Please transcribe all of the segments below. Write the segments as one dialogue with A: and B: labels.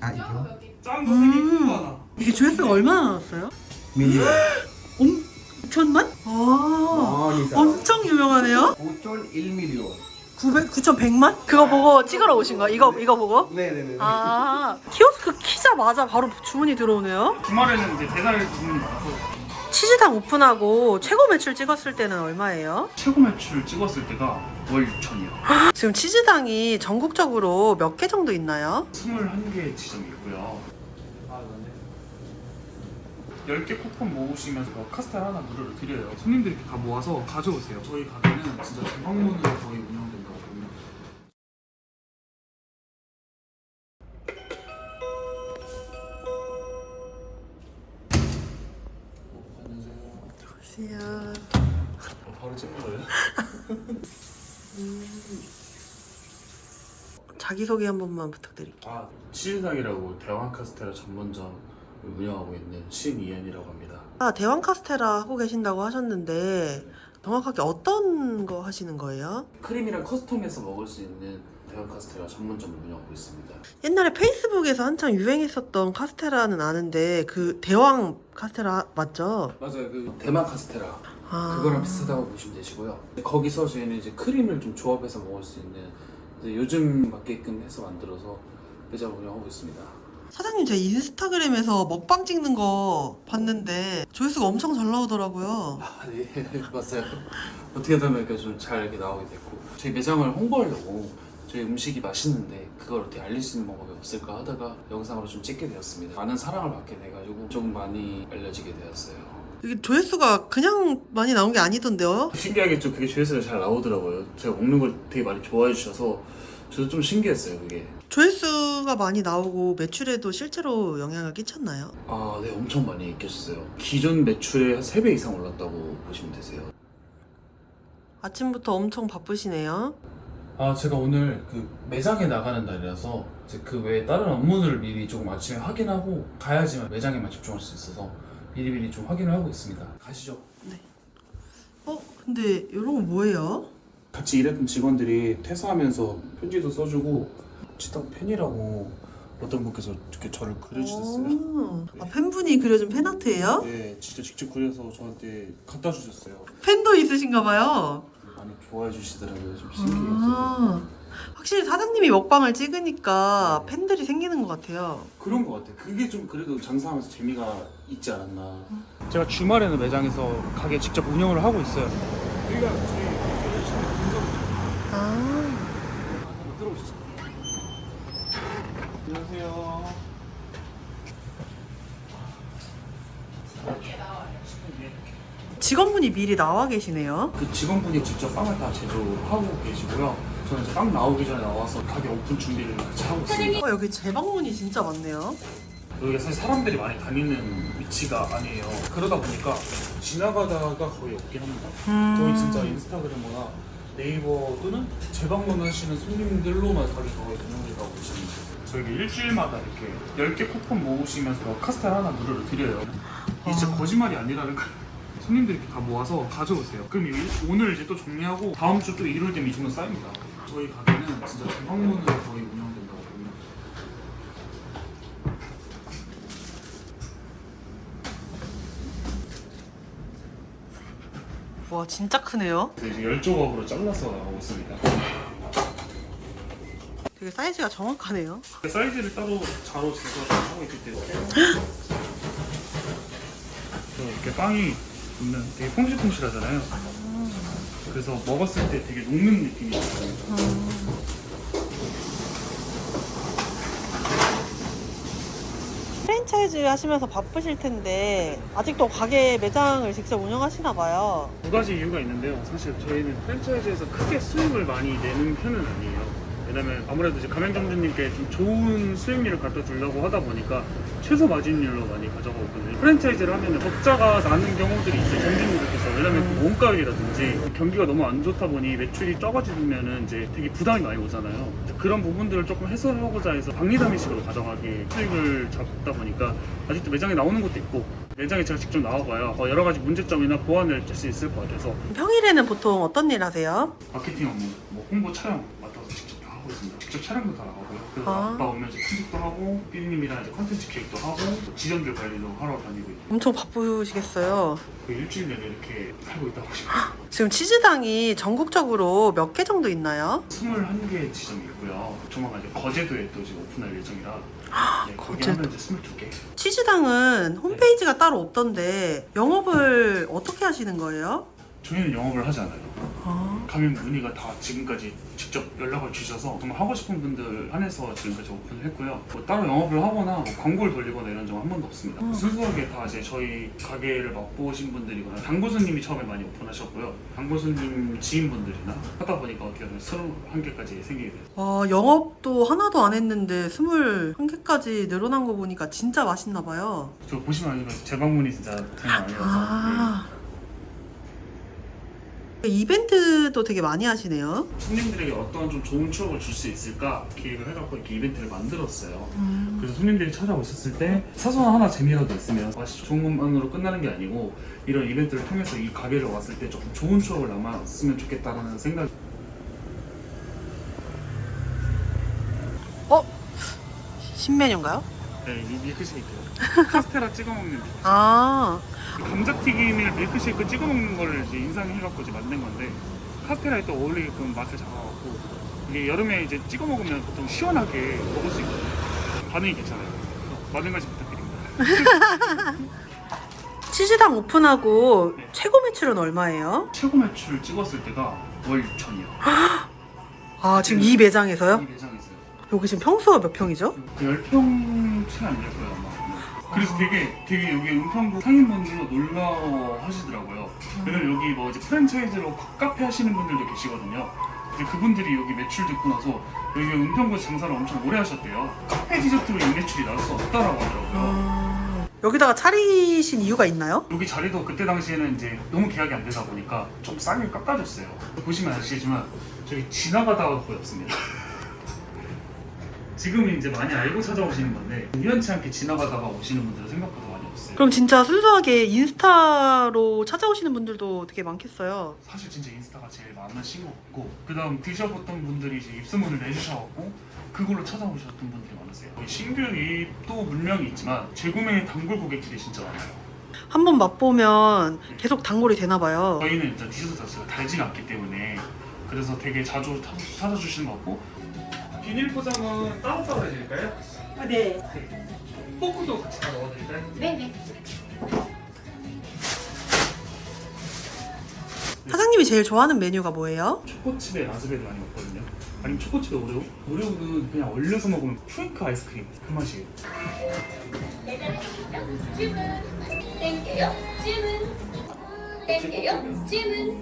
A: 아 이거?
B: 짠거 3개 큰 거 하나.
C: 이게 조회수가 얼마나 나왔어요?
A: 밀리언
C: 9천만? 아,
A: 많이 사
C: 엄청 유명하네요?
A: 9.1밀리언
C: 9,100만? 그거 보고 찍으러 오신 거야? 이거 보고?
A: 네네네
C: 아, 키오스크 키자마자 바로 주문이 들어오네요?
B: 주말에는 이제 배달 주문이 많아서
C: 치즈당 오픈하고 최고 매출 찍었을 때는 얼마예요?
B: 최고 매출 찍었을 때가 월 6천이요.
C: 지금 치즈당이 전국적으로 몇 개 정도 있나요?
B: 21개 지점이 있고요. 10개 쿠폰 모으시면서 카스테라 하나 무료로 드려요. 손님들이 이렇게 다 모아서 가져오세요. 저희 가게는 진짜 재방문으로 거의 운영된다고 봅니다.
C: 안녕하세요.
B: 바로 찍는 거예요?
C: 자기소개 한 번만 부탁드릴게요.
B: 치즈당이라고 대왕 카스테라 전문점 운영하고 있는 신이현이라고 합니다.
C: 대왕 카스테라 하고 계신다고 하셨는데 정확하게 어떤 거 하시는 거예요?
B: 크림이랑 커스텀해서 먹을 수 있는 대왕 카스테라 전문점을 운영하고 있습니다.
C: 옛날에 페이스북에서 한창 유행했었던 카스테라는 아는데 그 대왕 카스테라 맞죠?
B: 맞아요. 그 대만 카스테라
C: 아...
B: 그거랑 비슷하다고 보시면 되시고요. 거기서 저희는 이제 크림을 좀 조합해서 먹을 수 있는 요즘 맞게끔 해서 만들어서 매장을 운영하고 있습니다.
C: 사장님 제 인스타그램에서 먹방 찍는 거 봤는데 조회수가 엄청 잘 나오더라고요.
B: 네 맞아요. 어떻게 하다 보니까 좀 잘 이렇게 나오게 됐고 저희 매장을 홍보하려고 저희 음식이 맛있는데 그걸 어떻게 알릴 수 있는 방법이 없을까 하다가 영상으로 좀 찍게 되었습니다. 많은 사랑을 받게 돼가지고 조금 많이 알려지게 되었어요.
C: 이게 조회수가 그냥 많이 나온 게 아니던데요?
B: 신기하게 좀 그게 조회수가 잘 나오더라고요. 제가 먹는 걸 되게 많이 좋아해 주셔서 저도 좀 신기했어요 그게.
C: 조회수가 많이 나오고 매출에도 실제로 영향을 끼쳤나요?
B: 네 엄청 많이 끼쳤어요. 기존 매출의 한 3배 이상 올랐다고 보시면 되세요.
C: 아침부터 엄청 바쁘시네요.
B: 제가 오늘 그 매장에 나가는 날이라서 이제 그 외에 다른 업무들을 미리 조금 아침에 확인하고 가야지만 매장에만 집중할 수 있어서 미리미리 좀 확인을 하고 있습니다. 가시죠.
C: 근데 이런 건 뭐예요?
B: 같이 일했던 직원들이 퇴사하면서 편지도 써주고 치당 팬이라고 어떤 분께서 이렇게 저를 그려주셨어요.
C: 팬분이 그려준 팬아트예요?
B: 네, 진짜 직접 그려서 저한테 갖다 주셨어요.
C: 팬도 있으신가 봐요.
B: 많이 좋아해 주시더라고요. 좀 신기해서.
C: 확실히 사장님이 먹방을 찍으니까 팬들이 생기는 것 같아요.
B: 그런 것 같아요. 그게 좀 그래도 장사하면서 재미가 있지 않았나. 제가 주말에는 매장에서 가게 직접 운영을 하고 있어요. 여기가 저희 들어오시죠. 안녕하세요.
C: 직원분이 미리 나와 계시네요.
B: 그 직원분이 직접 빵을 다 제조하고 계시고요. 저는 이제 빵 나오기 전에 나와서 가게 오픈 준비를 같이 하고 있습니다.
C: 여기 재방문이 진짜 많네요.
B: 여기가 사실 사람들이 많이 다니는 위치가 아니에요. 그러다 보니까 지나가다가 거의 없긴 합니다. 거의 진짜 인스타그램이나 네이버 또는 재방문하시는 손님들로만 가게 거의 운영된다고 보시면 돼요. 저희가 일주일마다 이렇게 10개 쿠폰 모으시면서 카스테라 하나 무료로 드려요. 이게 진짜 거짓말이 아니라는 거예요. 손님들이 이렇게 다 모아서 가져오세요. 그럼 오늘 이제 또 정리하고 다음 주 또 일요일 되면 이 정도 쌓입니다. 저희 가게는 진짜 재방문으로 거의 운영된다고 봅니다.
C: 와 진짜 크네요.
B: 이제 10조각으로 잘라서 나가고 있습니다.
C: 되게 사이즈가 정확하네요.
B: 사이즈를 따로 자로 재서 하고 있기 때문에 이렇게 빵이 있는 되게 퐁실퐁실하잖아요. 그래서 먹었을 때 되게 녹는 느낌이 있어요.
C: 프랜차이즈 하시면서 바쁘실 텐데 아직도 가게 매장을 직접 운영하시나 봐요.
B: 두 가지 이유가 있는데요. 사실 저희는 프랜차이즈에서 크게 수익을 많이 내는 편은 아니에요. 왜냐면 아무래도 이제 가맹점주님께 좀 좋은 수익률을 갖다 주려고 하다 보니까 최소 마진율로 많이 가져가고 있거든요. 프랜차이즈를 하면 적자가 나는 경우들이 있어요. 점주님들께서. 왜냐면 그 원가율이라든지 경기가 너무 안 좋다 보니 매출이 적어지면 이제 되게 부담이 많이 오잖아요. 그런 부분들을 조금 해소하고자 해서 박리담이식으로 가져가게 수익을 잡다 보니까 아직도 매장에 나오는 것도 있고 매장에 제가 직접 나와봐야 여러 가지 문제점이나 보완을 할 수 있을 것 같아서.
C: 평일에는 보통 어떤 일 하세요?
B: 마케팅 업무, 홍보 촬영 맡아서 직접 다 하고 있습니다. 직접 촬영도 다 나가고요. 그래서
C: 아.
B: 아빠 오면 이제 편집도 하고 피디님이랑 이제 컨텐츠 기획도 하고 또 지점들 관리도 하러 다니고 있고
C: 엄청 바쁘시겠어요.
B: 그 일주일 내내 이렇게 살고 있다고 보시면
C: 지금 치즈당이 전국적으로 몇 개 정도 있나요?
B: 21개 지점이 있고요. 조만간 이제 거제도에 또 지금 오픈할 예정이라 네, 거기
C: 거제도.
B: 하면 이제 22개.
C: 치즈당은 홈페이지가 따로 없던데 영업을 어떻게 하시는 거예요?
B: 저희는 영업을 하지 않아요.
C: 아,
B: 가면 문의가 다 지금까지 직접 연락을 주셔서 정말 하고 싶은 분들 한해서 지금까지 오픈을 했고요. 뭐 따로 영업을 하거나 뭐 광고를 돌리거나 이런 적은 한 번도 없습니다. 순수하게 다 이제 저희 가게를 맛보신 분들이거나 당고수님이 처음에 많이 오픈하셨고요. 당고수님 지인분들이나 하다 보니까 어떻게 보면 21개까지 생기게 됐어요.
C: 영업도 하나도 안 했는데 21개까지 늘어난 거 보니까 진짜 맛있나 봐요.
B: 저 보시면 알지만 재방문이 진짜 장난 아니라서
C: 이벤트도 되게 많이 하시네요.
B: 손님들에게 어떤 좀 좋은 추억을 줄 수 있을까 기획을 해갖고 이렇게 이벤트를 만들었어요.
C: 음.
B: 그래서 손님들이 찾아오셨을 때 사소한 하나 재미라도 있으면 맛이 좋은 것만으로 끝나는 게 아니고 이런 이벤트를 통해서 이 가게를 왔을 때 조금 좋은 추억을 남았으면 좋겠다는 생각이.
C: 신메뉴인가요?
B: 네, 이 밀크쉐이크 카스테라 찍어 먹는 밀크쉐이크.
C: 아,
B: 감자튀김을 밀크쉐이크 찍어 먹는 거를 이제 인상해갖고 이제 만든 건데 카스테라에 또 어울리게끔 맛을 잡아갖고 이게 여름에 이제 찍어 먹으면 보통 시원하게 먹을 수 있거든요. 반응이 괜찮아요. 많은 관심 부탁드립니다.
C: 치즈당 오픈하고
B: 네.
C: 최고 매출은 얼마예요?
B: 최고 매출 찍었을 때가 월 6천이요.
C: 아, 지금 이 매장에서요?
B: 이 매장에서요.
C: 여기 지금 평수가 몇 평이죠?
B: 10평 채 안 될 거예요 아마. 그래서 되게 여기 은평구 상인분들도 놀라워 하시더라고요. 왜냐면 여기 뭐 이제 프랜차이즈로 카페 하시는 분들도 계시거든요. 이제 그분들이 여기 매출 듣고 나서 여기 은평구 장사를 엄청 오래 하셨대요. 카페 디저트로 이 매출이 나올 수 없다라고 하더라고요.
C: 여기다가 차리신 이유가 있나요?
B: 여기 자리도 그때 당시에는 이제 너무 계약이 안 되다 보니까 좀 싸게 깎아줬어요. 보시면 아시겠지만 저기 지나가다가 거의 없습니다. 지금은 이제 많이 알고 찾아오시는 건데 우연치 않게 지나가다가 오시는 분들은 생각보다 많이 없어요.
C: 그럼 진짜 순수하게 인스타로 찾아오시는 분들도 되게 많겠어요.
B: 사실 진짜 인스타가 제일 많으신 것 같고 그 다음 드셔봤던 분들이 이제 입소문을 내주셔갖고 그걸로 찾아오셨던 분들이 많으세요. 신규 유입도 물량이 있지만 재구매 단골 고객들이 진짜 많아요.
C: 한번 맛보면 계속 단골이 되나 봐요.
B: 저희는 일단 디저트 자체가 달지가 않기 때문에 그래서 되게 자주 찾아주시는 것 같고 비닐 포장은 따로따로 해드릴까요?
C: 네.
B: 포크도 같이 다 넣어드릴까요?
A: 네네.
C: 사장님이 제일 좋아하는 메뉴가 뭐예요?
B: 초코칩에 라즈베리 많이 먹거든요. 아니면 초코칩에 오레오? 오레오는 그냥 얼려서 먹으면 큐잉크 아이스크림 그 맛이에요.
A: 주문. 땡겨요. 주문. 땡겨요. 주문.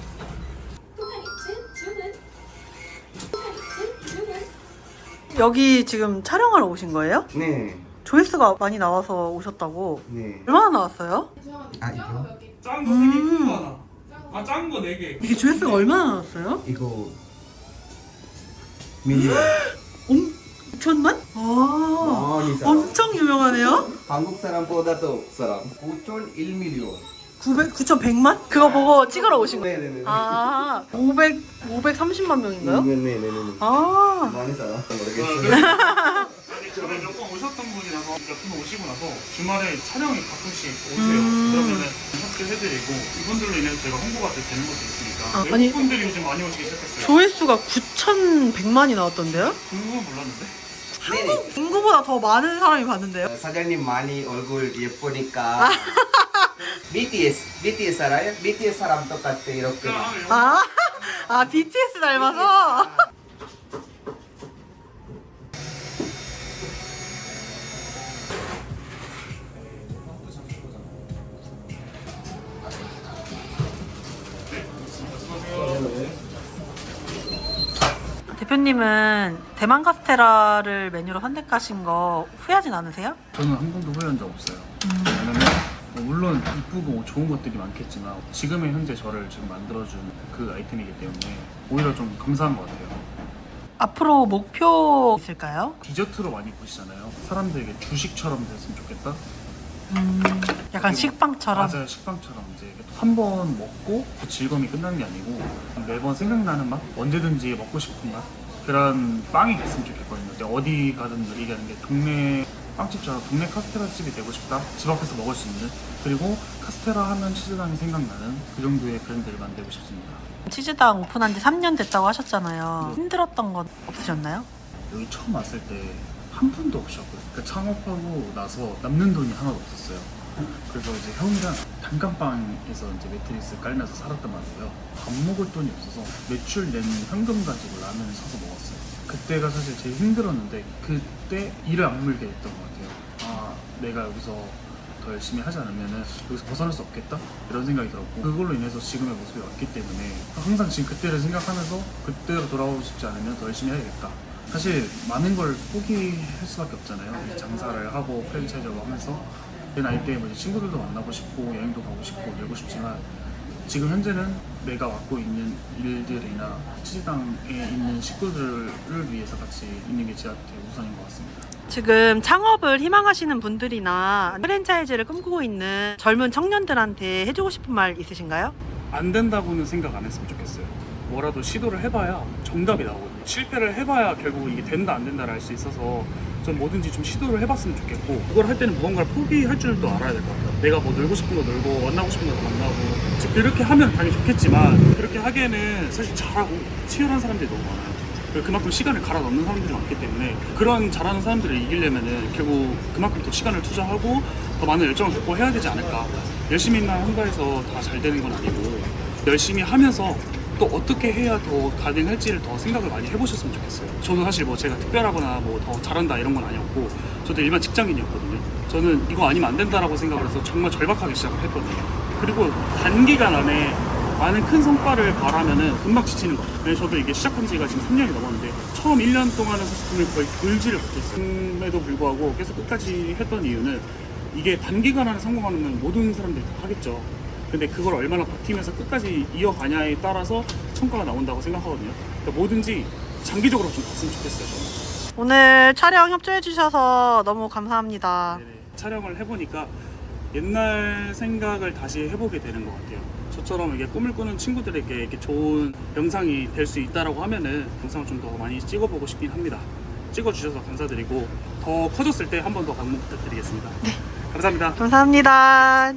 A: 포카리츠 주문. 포카리츠 주문.
C: 여기 지금 촬영하러 오신 거예요?
D: 네.
C: 조회수가 많이 나와서 오셨다고.
D: 네.
C: 얼마나 나왔어요?
D: 아 이거?
B: 짠 거 3개, 큰 거 하나. 아, 짠 거 4개.
C: 이게 조회수가 얼마나 나왔어요?
D: 이거 밀리언.
C: 5천만? 아,
D: 많이 사람.
C: 엄청 유명하네요?
D: 한국 사람보다도 사람. 5.1밀리언.
C: 9,100만? 그거 보고 찍으러 오신 거예요?
D: 네네네.
C: 아, 530만 명인가요?
D: 네네네.
C: 아,
D: 많이 사람.
B: 아니, 저는 몇 번 오셨던 분이라서 몇 분 오시고 나서 주말에 촬영이 가끔씩 오세요. 그러면은 협조해드리고 이분들로 인해서 제가 홍보가 되는 것도 있으니까
C: 아,
B: 외국
C: 아니,
B: 분들이 요즘 많이 오시기 시작했어요.
C: 조회수가 9,100만이 나왔던데요?
B: 그건 몰랐는데?
D: 네네.
C: 인구보다 더 많은 사람이 봤는데요?
D: 사장님 많이 얼굴 예쁘니까. BTS 알아요? BTS 사람 똑같아 이렇게.
C: 아, BTS 닮아서? 대표님은 대만 카스테라를 메뉴로 선택하신 거 후회하진 않으세요?
B: 저는 한 번도 후회한 적 없어요. 왜냐면 물론 이쁘고 좋은 것들이 많겠지만 지금의 현재 저를 지금 만들어준 그 아이템이기 때문에 오히려 좀 감사한 것 같아요.
C: 앞으로 목표 있을까요?
B: 디저트로 많이 보시잖아요. 사람들에게 주식처럼 됐으면 좋겠다.
C: 약간 식빵처럼?
B: 맞아요, 식빵처럼 이제 한 번 먹고 그 즐거움이 끝나는 게 아니고 매번 생각나는 맛, 언제든지 먹고 싶은 맛, 그런 빵이 됐으면 좋겠거든요. 근데 어디 가든 얘기하는 게 동네 빵집처럼 동네 카스테라 집이 되고 싶다. 집 앞에서 먹을 수 있는, 그리고 카스테라 하면 치즈당이 생각나는 그 정도의 브랜드를 만들고 싶습니다.
C: 치즈당 오픈한 지 3년 됐다고 하셨잖아요. 힘들었던 건 없으셨나요?
B: 여기 처음 왔을 때 한 푼도 없었고요. 그러니까 창업하고 나서 남는 돈이 하나도 없었어요. 그래서 이제 형이랑 단칸방에서 이제 매트리스 깔면서 살았단 말이에요. 밥 먹을 돈이 없어서 매출 낸 현금 가지고 라면을 사서 먹었어요. 그때가 사실 제일 힘들었는데 그때 이를 악물게 됐던 것 같아요. 아, 내가 여기서 더 열심히 하지 않으면 여기서 벗어날 수 없겠다? 이런 생각이 들었고, 그걸로 인해서 지금의 모습이 왔기 때문에 항상 지금 그때를 생각하면서 그때로 돌아오고 싶지 않으면 더 열심히 해야겠다. 사실 많은 걸 포기할 수밖에 없잖아요. 장사를 하고 프랜차이즈로 하면서 내 나이 때에 뭐 이제 친구들도 만나고 싶고 여행도 가고 싶고 놀고 싶지만, 지금 현재는 내가 맡고 있는 일들이나 치즈당에 있는 식구들을 위해서 같이 있는 게 제일 우선인 것 같습니다.
C: 지금 창업을 희망하시는 분들이나 프랜차이즈를 꿈꾸고 있는 젊은 청년들한테 해주고 싶은 말 있으신가요?
B: 안 된다고는 생각 안 했으면 좋겠어요. 뭐라도 시도를 해봐야 정답이 나오거든요. 실패를 해봐야 결국 이게 된다 안 된다를 알 수 있어서 전 뭐든지 좀 시도를 해봤으면 좋겠고, 그걸 할 때는 무언가를 포기할 줄도 알아야 될 것 같아요. 내가 뭐 놀고 싶은 거 놀고 만나고 싶은 거 만나고, 그렇게 하면 당연히 좋겠지만 그렇게 하기에는 사실 잘하고 치열한 사람들이 너무 많아요. 그리고 그만큼 시간을 갈아 넣는 사람들이 많기 때문에 그런 잘하는 사람들을 이기려면은 결국 그만큼 더 시간을 투자하고 더 많은 열정을 갖고 해야 되지 않을까. 열심히만 한다 해서 다 잘 되는 건 아니고, 열심히 하면서 또 어떻게 해야 더 가능할지를 더 생각을 많이 해보셨으면 좋겠어요. 저는 사실 뭐 제가 특별하거나 뭐 더 잘한다 이런 건 아니었고, 저도 일반 직장인이었거든요. 저는 이거 아니면 안 된다라고 생각을 해서 정말 절박하게 시작을 했거든요. 그리고 단기간 안에 많은 큰 성과를 바라면은 금방 지치는 것 같아요. 저도 이게 시작한 지가 지금 3년이 넘었는데 처음 1년 동안은 사실 돈을 거의 벌지를 못했어요. 그럼에도 불구하고 계속 끝까지 했던 이유는, 이게 단기간 안에 성공하면 모든 사람들이 다 하겠죠. 근데 그걸 얼마나 버티면서 끝까지 이어가냐에 따라서 성과가 나온다고 생각하거든요. 그러니까 뭐든지 장기적으로 좀 봤으면 좋겠어요, 저는.
C: 오늘 촬영 협조해 주셔서 너무 감사합니다.
B: 네네. 촬영을 해보니까 옛날 생각을 다시 해보게 되는 것 같아요. 저처럼 이게 꿈을 꾸는 친구들에게 이렇게 좋은 영상이 될 수 있다라고 하면은 영상을 좀 더 많이 찍어보고 싶긴 합니다. 찍어주셔서 감사드리고, 더 커졌을 때 한 번 더 방문 부탁드리겠습니다. 네. 감사합니다.
C: 감사합니다.